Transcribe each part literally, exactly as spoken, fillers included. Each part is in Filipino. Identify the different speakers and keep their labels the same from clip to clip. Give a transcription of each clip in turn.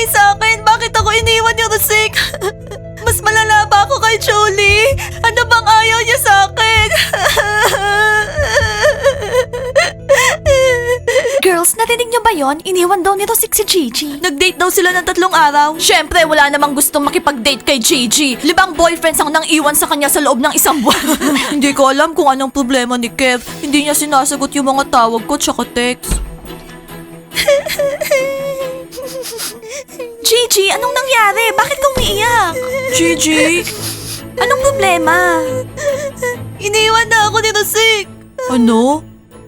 Speaker 1: mali sa akin? Bakit ako iniwan ni Rosik? Mas malala ba ako kay Julie? Ano bang ayaw niya sa akin?
Speaker 2: Girls, narinig niyo ba yon? Iniwan daw ni Rosik si Gigi.
Speaker 1: Nag-date daw sila ng tatlong araw.
Speaker 2: Siyempre, wala namang gustong makipag-date kay Gigi. Libang boyfriends ang nang iwan sa kanya sa loob ng isang buwan.
Speaker 1: Hindi ko alam kung anong problema ni Kev. Hindi niya sinasagot yung mga tawag ko tsaka text.
Speaker 2: Gigi, anong nangyari? Bakit ka umiiyak?
Speaker 1: Gigi,
Speaker 2: Anong problema?
Speaker 1: iniwan na ako ni Rosik. Ano?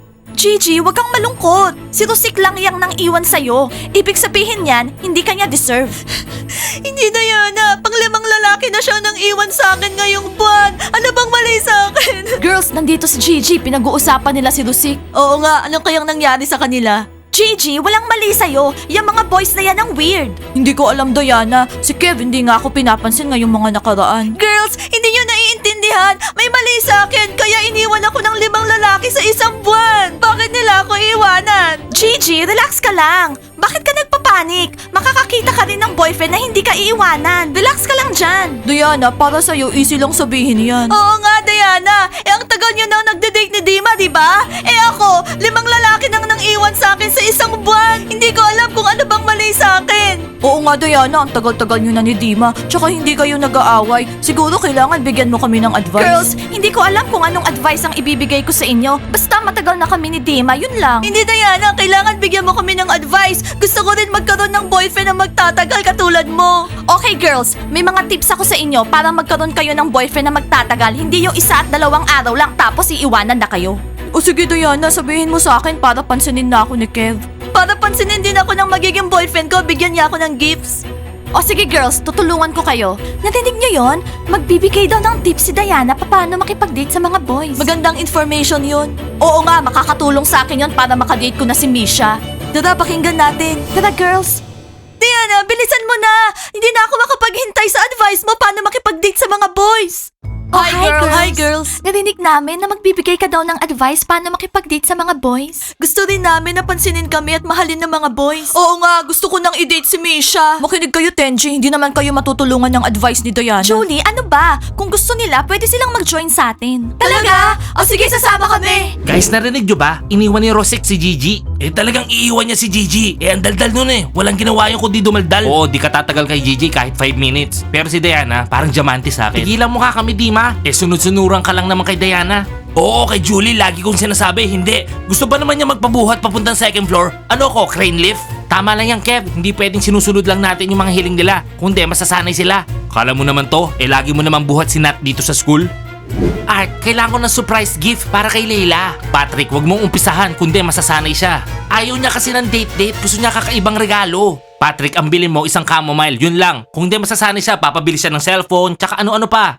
Speaker 2: Gigi, wag kang malungkot. Si Rosik lang yang nang iwan sa'yo. Ibig sabihin yan, hindi kanya deserve.
Speaker 1: Hindi na yan ah. Panglimang lalaki na siya nang iwan sa akin ngayong buwan. Ano bang mali sa akin?
Speaker 2: Girls, nandito si Gigi. Pinag-uusapan nila si Rosik.
Speaker 1: Oo nga, anong kayang nangyari sa kanila?
Speaker 2: Gigi, walang mali sa'yo. Yung mga boys na yan ang weird.
Speaker 1: Hindi ko alam, Diana. Si Kev, hindi nga ako pinapansin ngayong mga nakaraan. Girls, hindi nyo naiintindihan. May mali sa akin, kaya iniwan ako ng limang lalaki sa isang buwan. Bakit nila ako iwanan?
Speaker 2: Gigi, relax ka lang. Bakit ka nagpapanik? Makakakita ka rin ng boyfriend na hindi ka iiwanan. Relax ka lang dyan.
Speaker 1: Diana, para sa'yo, easy lang sabihin yan. Oo nga, Diana. Eh, ang tagal nyo nang nagde-date ni Dima, di ba? Eh ako, limang lalaki nang nang iwan sa akin sa isang buwan. Hindi ko alam kung ano bang mali sa akin. Oo nga, Diana. Ang tagal-tagal nyo na ni Dima. Tsaka hindi kayo nag-aaway. Siguro kailangan bigyan mo kami ng advice.
Speaker 2: Girls, hindi ko alam kung anong advice ang ibibigay ko sa inyo. Basta matagal na kami ni Dima, yun lang.
Speaker 1: Hindi, Diana. Kailangan bigyan mo kami ng advice. Gusto ko rin magkaroon ng boyfriend na magtatagal katulad mo.
Speaker 2: Okay girls, may mga tips ako sa inyo para magkaroon kayo ng boyfriend na magtatagal. Hindi yung isa at dalawang araw lang tapos iiwanan na kayo.
Speaker 1: O sige, Diana. Sabihin mo sa akin para pansinin na ako ni Kev. Para pansinin din ako ng magiging boyfriend ko, bigyan niya ako ng gifts.
Speaker 2: O sige girls, tutulungan ko kayo. Narinig nyo yon? Magbibigay daw ng tips si Diana paano makipag-date sa mga boys.
Speaker 1: Magandang information yun.
Speaker 2: Oo nga, makakatulong sa akin yon para makadate ko na si Misha.
Speaker 1: Tara, pakinggan natin.
Speaker 2: Tara girls.
Speaker 1: Diana, bilisan mo na! Hindi na ako makapaghintay sa advice mo paano makipag-date sa mga boys.
Speaker 2: Oh, hi, girls.
Speaker 1: Hi, girls.
Speaker 2: Narinig namin na magbibigay ka daw ng advice paano makipag-date sa mga boys.
Speaker 1: Gusto rin namin na pansinin kami at mahalin ng mga boys. Oo nga, gusto ko nang i-date si Misha. Makinig kayo, Tenji. Hindi naman kayo matutulungan ng advice ni Diana.
Speaker 2: Julie, ano ba? Kung gusto nila, pwede silang mag-join sa atin.
Speaker 1: Talaga? O sige, sasama kami.
Speaker 3: Guys, narinig nyo ba? Iniwan ni Rosik si Gigi. Eh talagang iiwan niya si Gigi. Eh ang daldal nun eh. Walang ginawa yung kundi dumaldal. Oo, di ka tatagal kay Gigi kahit five minutes. Pero si Diana, parang diamante sa akin. Tigilan mo ka kami, Dima. Eh sunod-sunuran ka lang naman kay Diana. Oo, kay Julie, lagi kong sinasabi, hindi. Gusto ba naman niya magpabuhat papuntang second floor? Ano ko, crane lift? Tama lang yan, Kev. Hindi pwedeng sinusunod lang natin yung mga hiling nila. Kundi, masasanay sila. Kala mo naman to, eh lagi mo naman buhat si Nat dito sa school. Art, kailangan ko ng surprise gift para kay Leila. Patrick, wag mong umpisahan, kundi masasanay siya. Ayaw niya kasi ng date-date, gusto niya kakaibang regalo. Patrick, ang bilin mo isang chamomile, yun lang. Kung di masasanay siya, papabili siya ng cellphone, tsaka ano-ano pa.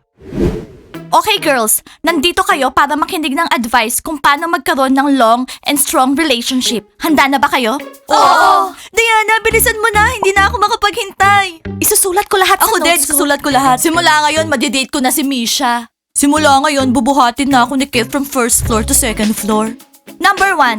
Speaker 2: Okay girls, nandito kayo para makinig ng advice kung paano magkaroon ng long and strong relationship. Handa na ba kayo?
Speaker 1: Oo. Diana, bilisan mo na. Hindi na ako makapaghintay.
Speaker 2: Isusulat ko lahat
Speaker 1: Ako
Speaker 2: sa
Speaker 1: din,
Speaker 2: notes ko.
Speaker 1: susulat ko lahat. Simula ngayon, madidate ko na si Misha. Simula ngayon, bubuhatin na ako ni Kev from first floor to second floor.
Speaker 2: Number one.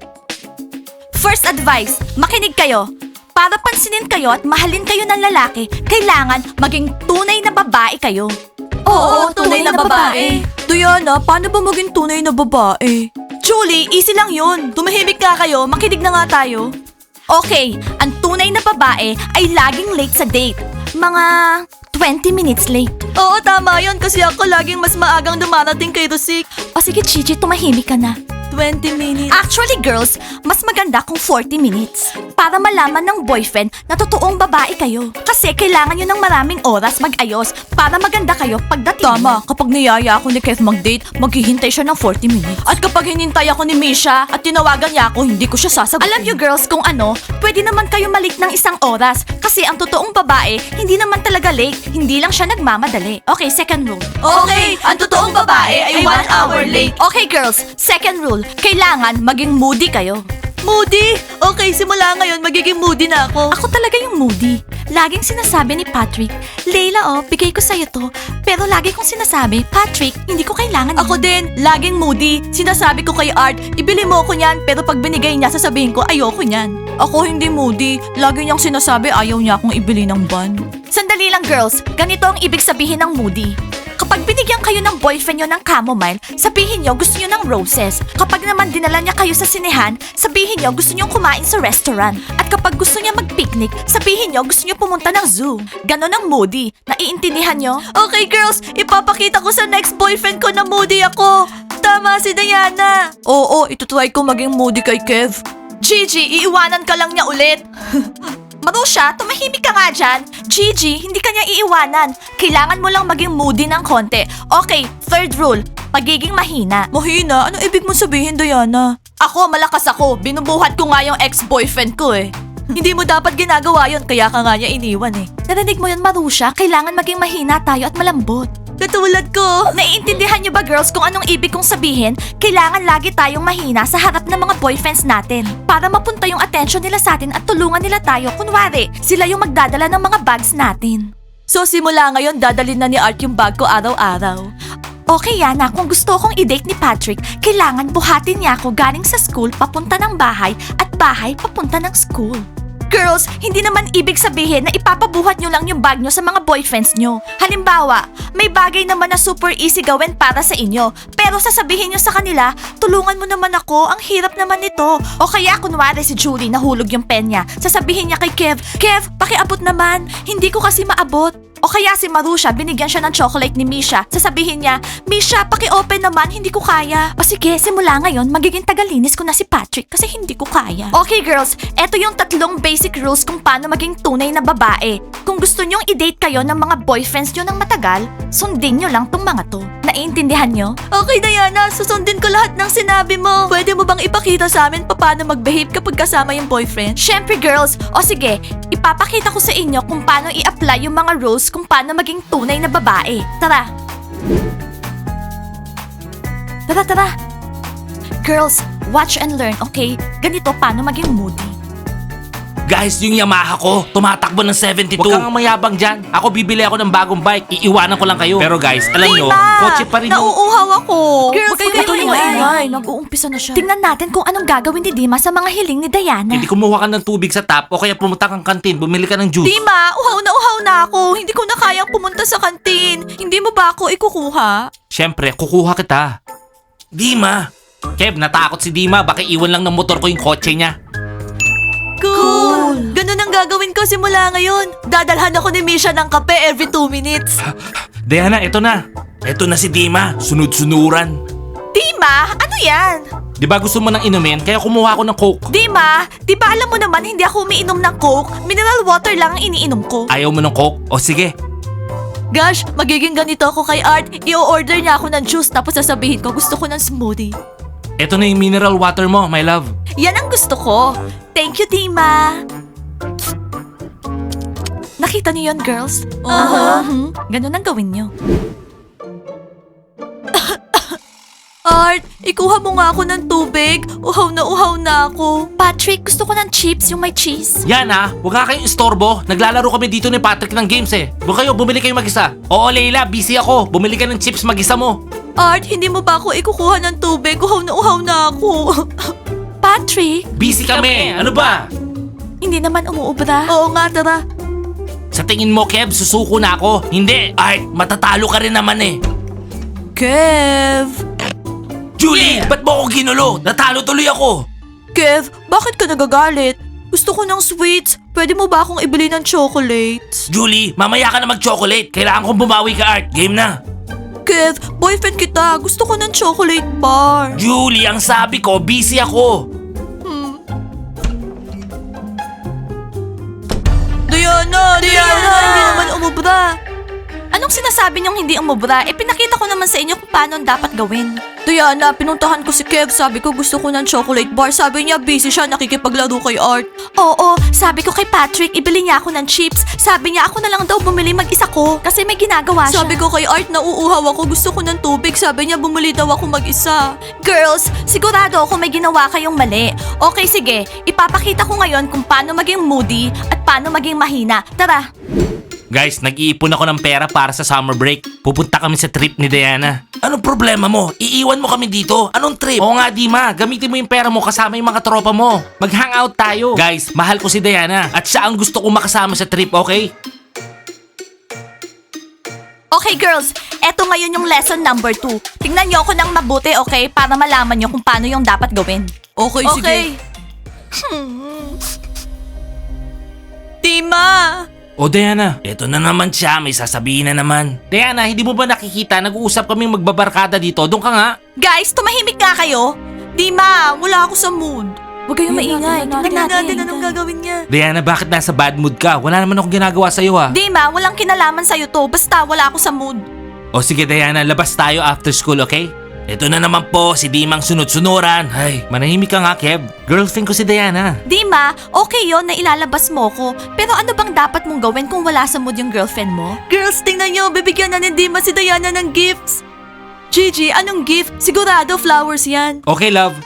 Speaker 2: First advice, makinig kayo. Para pansinin kayo at mahalin kayo ng lalaki, kailangan maging tunay na babae kayo.
Speaker 1: Oo, tunay, na babae. Diana, paano ba maging tunay na babae? Julie, easy lang yun. Tumahimik nga kayo, makinig na nga tayo.
Speaker 2: Okay, ang tunay na babae ay laging late sa date. Mga twenty minutes late.
Speaker 1: Oo, tama yun kasi ako laging mas maagang dumarating kay Rosik.
Speaker 2: O sige, Gigi, tumahimik ka na.
Speaker 1: twenty minutes.
Speaker 2: Actually, girls, mas maganda kung forty minutes. Para malaman ng boyfriend na totoong babae kayo. Kasi kailangan nyo ng maraming oras mag-ayos para maganda kayo pagdating.
Speaker 1: Tama, kapag niyaya ako ni Kev mag-date, maghihintay siya ng forty minutes. At kapag hinintay ako ni Misha at tinawagan niya ako, hindi ko siya sasagutin.
Speaker 2: Alam nyo girls kung ano, pwede naman kayo malik ng isang oras. Kasi ang totoong babae, hindi naman talaga late. Hindi lang siya nagmamadali. Okay, second rule.
Speaker 1: Okay, ang totoong babae ay one hour late.
Speaker 2: Okay girls, second rule, kailangan maging moody kayo.
Speaker 1: Moody! Okay, simula ngayon, magiging moody na ako.
Speaker 2: Ako talaga yung moody. Laging sinasabi ni Patrick, Layla oh, bigay ko sa'yo to. Pero lagi kong sinasabi, Patrick, hindi ko kailangan
Speaker 1: Ako
Speaker 2: yun."
Speaker 1: din, laging moody. Sinasabi ko kay Art, ibili mo ko niyan, pero pag binigay niya, sasabihin ko, ayoko niyan. Ako hindi moody. Lagi niyang sinasabi, ayaw niya akong ibili ng ban.
Speaker 2: Sandali lang girls, ganito ang ibig sabihin ng moody. Kapag binigyan kayo ng boyfriend nyo ng chamomile, sabihin nyo gusto nyo ng roses. Kapag naman dinala niya kayo sa sinehan, sabihin nyo gusto nyo kumain sa restaurant. At kapag gusto niya mag-picnic, sabihin nyo gusto nyo pumunta ng zoo. Ganon ang moody. Naiintindihan nyo?
Speaker 1: Okay girls, ipapakita ko sa next boyfriend ko na moody ako. Tama si Diana. Oo, itutry ko maging moody kay Kev.
Speaker 2: Gigi, iiwanan ka lang niya ulit. Marusha, tumahimik ka nga dyan. Gigi, hindi ka niya iiwanan. Kailangan mo lang maging moody ng konti. Okay, third rule, pagiging mahina.
Speaker 1: Mahina? Ano ibig mo sabihin, Diana?
Speaker 2: Ako, malakas ako. Binubuhat ko nga yung ex-boyfriend ko eh.
Speaker 1: Hindi mo dapat ginagawa yon, kaya ka nga niya iniwan eh.
Speaker 2: Narinig mo yun, Marusha? Kailangan maging mahina tayo at malambot.
Speaker 1: Katulad ko.
Speaker 2: Naiintindihan niyo ba girls kung anong ibig kong sabihin? Kailangan lagi tayong mahina sa harap ng mga boyfriends natin para mapunta yung attention nila sa atin at tulungan nila tayo. Kunwari, sila yung magdadala ng mga bags natin.
Speaker 1: So simula ngayon, dadalhin na ni Art yung bag ko araw-araw.
Speaker 2: Okay, Yana, kung gusto kong i-date ni Patrick, kailangan buhatin niya ako galing sa school papunta ng bahay at bahay papunta ng school. Girls, hindi naman ibig sabihin na ipapabuhat nyo lang yung bag nyo sa mga boyfriends nyo. Halimbawa, may bagay naman na super easy gawin para sa inyo. Pero sasabihin nyo sa kanila, tulungan mo naman ako, ang hirap naman nito. O kaya kunwari si Julie nahulog yung pen niya. Sasabihin niya kay Kev, Kev, pakiabot naman, hindi ko kasi maabot. O kaya si Marusha, binigyan siya ng chocolate ni Misha. Sasabihin niya, Misha, paki-open naman, hindi ko kaya. O sige, simula ngayon, magiging tagalinis ko na si Patrick kasi hindi ko kaya. Okay girls, eto yung tatlong basic rules kung paano maging tunay na babae. Kung gusto nyong i-date kayo ng mga boyfriends nyo ng matagal, sundin nyo lang tong mga to. Naiintindihan nyo?
Speaker 1: Okay, Diana, susundin ko lahat ng sinabi mo. Pwede mo bang ipakita sa amin paano mag-behave kapag kasama yung boyfriend?
Speaker 2: Syempre girls, o sige, ipapakita ko sa inyo kung paano i-apply yung mga rules kung paano maging tunay na babae. Tara! Tara, tara! Girls, watch and learn, okay? Ganito paano maging moody.
Speaker 3: Guys, yung Yamaha ko, tumatakbo ng seventy-two. Huwag kang mayabang dyan. Ako bibili ako ng bagong bike. Iiwanan ko lang kayo. Pero guys, alam nyo, kotse pa rin yung...
Speaker 1: Nauuhaw ako.
Speaker 2: Girls,
Speaker 1: Huwag kayo
Speaker 2: huwag kayong
Speaker 1: maingay.
Speaker 2: maingay. Nag-uumpisa na siya. Tingnan natin kung anong gagawin ni Dima sa mga hiling ni Diana.
Speaker 3: Hindi kumuha ka ng tubig sa tap o kaya pumunta kang kantin, bumili ka ng juice.
Speaker 1: Dima, uhaw na uhaw na ako. Hindi ko na kayang pumunta sa kantin. Hindi mo ba ako ikukuha?
Speaker 3: Siyempre, kukuha kita. Dima! Kev, natakot si Dima. Baka iwan lang ng motor ko yung kotse niya.
Speaker 1: Cool! Ganun ang gagawin ko simula ngayon. Dadalhan ako ni Misha ng kape every two minutes.
Speaker 3: Diana, eto na. Eto na si Dima. Sunod-sunuran.
Speaker 2: Dima, ano yan?
Speaker 3: Di ba gusto mo ng inumin? Kaya kumuha ako ng Coke.
Speaker 2: Dima, di ba alam mo naman hindi ako umiinom ng Coke? Mineral water lang ang iniinom ko.
Speaker 3: Ayaw mo ng Coke? O sige.
Speaker 1: Gosh, magiging ganito ako kay Art. I-order niya ako ng juice tapos sasabihin ko gusto ko ng smoothie.
Speaker 3: Eto na yung mineral water mo, my love.
Speaker 2: Yan ang gusto ko. Thank you, Dima. Nakita niyo yun, girls?
Speaker 1: Aha.
Speaker 2: Mhm. Ganun ang gawin niyo.
Speaker 1: Art, ikuha mo nga ako ng tubig. Uhaw na uhaw na ako.
Speaker 2: Patrick, gusto ko ng chips, yung may cheese.
Speaker 3: Yan ha, huwag nga kayong istorbo. Naglalaro kami dito ni Patrick ng games eh. Doon kayo, bumili kayo mag-isa. Oo, Leila, busy ako. Bumili ka ng chips mag-isa mo.
Speaker 1: Art, hindi mo ba ako ikukuha ng tubig? Uhaw na uhaw na ako.
Speaker 2: Patrick,
Speaker 3: Busy kami. Ano ba?
Speaker 2: hindi naman umuubra.
Speaker 1: Oo nga, tara.
Speaker 3: Sa tingin mo, Kev, susuko na ako. Hindi. Art, matatalo ka rin naman eh.
Speaker 1: Kev.
Speaker 3: Julie, ba't mo ako ginulo? Natalo tuloy ako.
Speaker 1: Kev, bakit ka nagagalit? Gusto ko ng sweets. Pwede mo ba akong ibili ng chocolates?
Speaker 3: Julie, mamaya ka na mag-chocolate. Kailangan kong bumawi ka, Art. Game na.
Speaker 1: Kev, boyfriend kita. Gusto ko ng chocolate bar.
Speaker 3: Julie, ang sabi ko, busy ako.
Speaker 1: Hmm. Diana, Diana, hindi naman umubra.
Speaker 2: Anong sinasabi niyong hindi umubra? Eh, pinakita ko naman sa inyo kung paano dapat gawin.
Speaker 1: Diana, pinuntahan ko si Kev. Sabi ko gusto ko ng chocolate bar. Sabi niya busy siya, nakikipaglaro kay Art.
Speaker 2: Oo, sabi ko kay Patrick, ibili niya ako ng chips. Sabi niya ako na lang daw bumili mag-isa ko. Kasi may ginagawa siya.
Speaker 1: Sabi ko kay Art, nauuhaw ako. Gusto ko ng tubig. Sabi niya bumili daw ako mag-isa.
Speaker 2: Girls, sigurado ako may ginawa kayong mali. Okay, sige. Ipapakita ko ngayon kung paano maging moody at paano maging mahina. Tara.
Speaker 3: Guys, nag-iipon ako ng pera para sa summer break. Pupunta kami sa trip ni Diana. Anong problema mo? Iiwan mo kami dito? Anong trip? Oo nga, Dima. Gamitin mo yung pera mo kasama yung mga tropa mo. Mag-hangout tayo. Guys, mahal ko si Diana. At siya ang gusto ko makasama sa trip, okay?
Speaker 2: Okay, girls. Eto ngayon yung lesson number two. Tingnan niyo ako ng mabuti, okay? Para malaman niyo kung paano yung dapat gawin.
Speaker 1: Okay, sige.
Speaker 2: Okay.
Speaker 1: Dima!
Speaker 3: O Diana, eto na naman siya. May sasabihin na naman. Diana, hindi mo ba nakikita? Nag-uusap kaming magbabarkada dito. Doon ka nga.
Speaker 2: Guys, tumahimik nga kayo.
Speaker 1: Dima, wala ako sa mood.
Speaker 2: Huwag kayong maingay. Tingnan
Speaker 1: Tingnan
Speaker 2: natin.
Speaker 1: natin anong gagawin niya.
Speaker 3: Diana, bakit nasa bad mood ka? Wala naman akong ginagawa sa'yo ha.
Speaker 2: Dima, walang kinalaman sa'yo to. Basta wala ako sa mood.
Speaker 3: O sige Diana, labas tayo after school, okay? Ito na naman po, si Dimang sunod-sunuran. Ay, manahimik ka nga, Kev. Girlfriend ko si Diana.
Speaker 2: Dima, okay yon na ilalabas mo ko. Pero ano bang dapat mong gawin kung wala sa mood yung girlfriend mo?
Speaker 1: Girls, tingnan niyo. Bibigyan na ni Dima si Diana ng gifts. Gigi, anong gift? Sigurado flowers yan.
Speaker 3: Okay, love.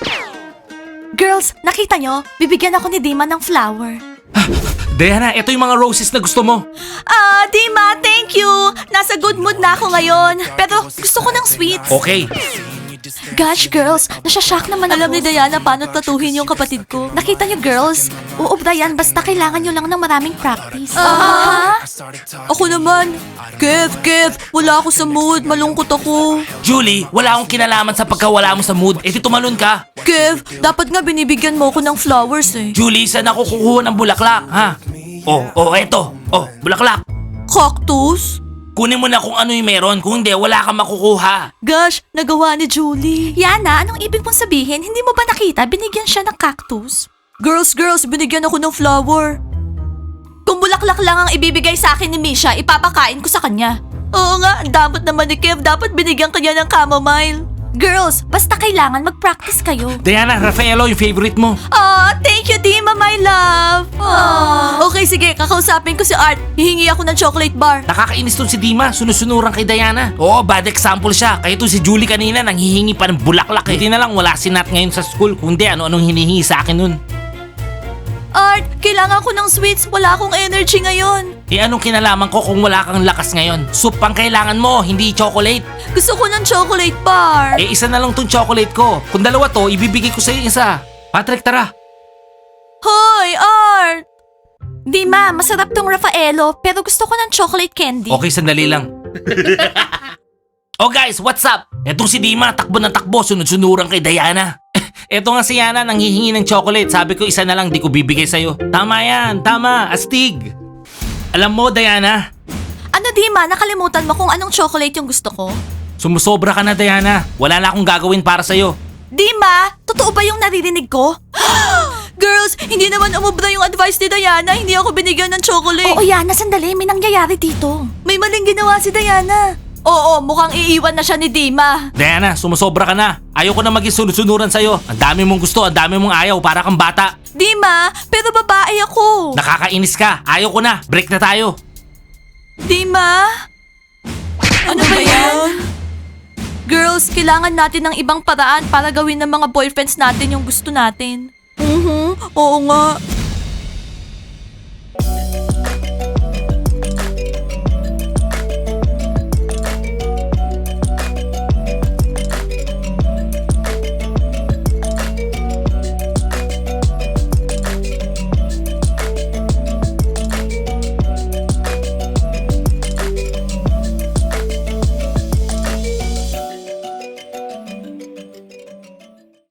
Speaker 2: Girls, nakita nyo? Bibigyan ako ni Dima ng flower.
Speaker 3: Diana, ito yung mga roses na gusto mo.
Speaker 2: Ah, Dima, thank you! Nasa good mood na ako ngayon. Pero gusto ko ng sweets.
Speaker 3: Okay.
Speaker 2: Gosh, girls, nasyashock naman
Speaker 1: Alam ni
Speaker 2: ako.
Speaker 1: Diana paano tatuhin yung kapatid ko.
Speaker 2: Nakita nyo, girls? Uubra yan, basta kailangan nyo lang ng maraming practice.
Speaker 1: Ah.
Speaker 2: Ah?
Speaker 1: Ako naman. Kev, Kev, wala ako sa mood. Malungkot ako.
Speaker 3: Julie, wala akong kinalaman sa pagkawala mo sa mood. Eh di tumalon ka.
Speaker 1: Kev, dapat nga binibigyan mo ako ng flowers eh.
Speaker 3: Julie, saan ako kukuha ng bulaklak, ha? Oh, oh, eto. Oh, bulaklak.
Speaker 1: Cactus?
Speaker 3: Kunin mo na kung ano yung meron. Kung hindi, wala kang makukuha.
Speaker 1: Gosh, nagawa ni Julie.
Speaker 2: Yana, anong ibig mong sabihin? Hindi mo ba nakita? Binigyan siya ng cactus.
Speaker 1: Girls, girls, binigyan ako ng flower.
Speaker 2: Kung bulaklak lang ang ibibigay sa akin ni Misha, ipapakain ko sa kanya.
Speaker 1: Oo nga, ang dapat naman ni Kev. Dapat binigyan kanya ng chamomile.
Speaker 2: Girls, basta kailangan mag-practice kayo.
Speaker 3: Diana, Rafaelo, yung favorite mo.
Speaker 1: Ah, thank you, Dima, my love. Ah. Okay, sige, kakausapin ko si Art. Hihingi ako ng chocolate bar.
Speaker 3: Nakakainis tong si Dima, sunusunuran kay Diana. Oo, bad example siya. Kaya to si Julie kanina, nang hihingi pa ng bulaklak eh. Hindi na lang wala si Nat ngayon sa school. Kundi ano-anong hinihingi sa akin nun.
Speaker 1: Art, kailangan ko ng sweets. Wala akong energy ngayon.
Speaker 3: Eh anong kinalaman ko kung wala kang lakas ngayon? Soup pang kailangan mo, hindi chocolate.
Speaker 1: Gusto ko ng chocolate bar.
Speaker 3: Eh isa na lang tong chocolate ko. Kung dalawa to, ibibigay ko sa'yo isa. Patrick, tara.
Speaker 1: Hoy, Art!
Speaker 2: Dima, masarap tong Raffaello, pero gusto ko ng chocolate candy.
Speaker 3: Okay, sandali lang. Oh guys, what's up? Etong si Dima, takbo ng takbo, sunod-sunuran kay Diana. Eto nga si Yana, nang hihingi ng chocolate. Sabi ko isa na lang, di ko bibigay sa'yo. Tama yan, tama, astig. Alam mo, Diana,
Speaker 2: Ano, Dima, nakalimutan mo kung anong chocolate yung gusto ko?
Speaker 3: sumusobra ka na, Diana. Wala na akong gagawin para sa'yo.
Speaker 2: Dima, totoo ba yung naririnig ko?
Speaker 1: Girls, hindi naman umubra yung advice ni Diana. Hindi ako binigyan ng chocolate.
Speaker 2: Oo, Yana, sandali, may nangyayari dito.
Speaker 1: May maling ginawa si Diana. Oo, mukhang iiwan na siya ni Dima.
Speaker 3: Diana, sumusobra ka na. Ayoko na maging sunod-sunuran sa'yo. Ang dami mong gusto, ang dami mong ayaw, para kang bata.
Speaker 1: Dima, pero babae ako.
Speaker 3: Nakakainis ka. Ayaw ko na. Break na tayo.
Speaker 1: Dima? Ano ba yan? Girls, kailangan natin ng ibang paraan para gawin ng mga boyfriends natin yung gusto natin. Mhm, oo nga.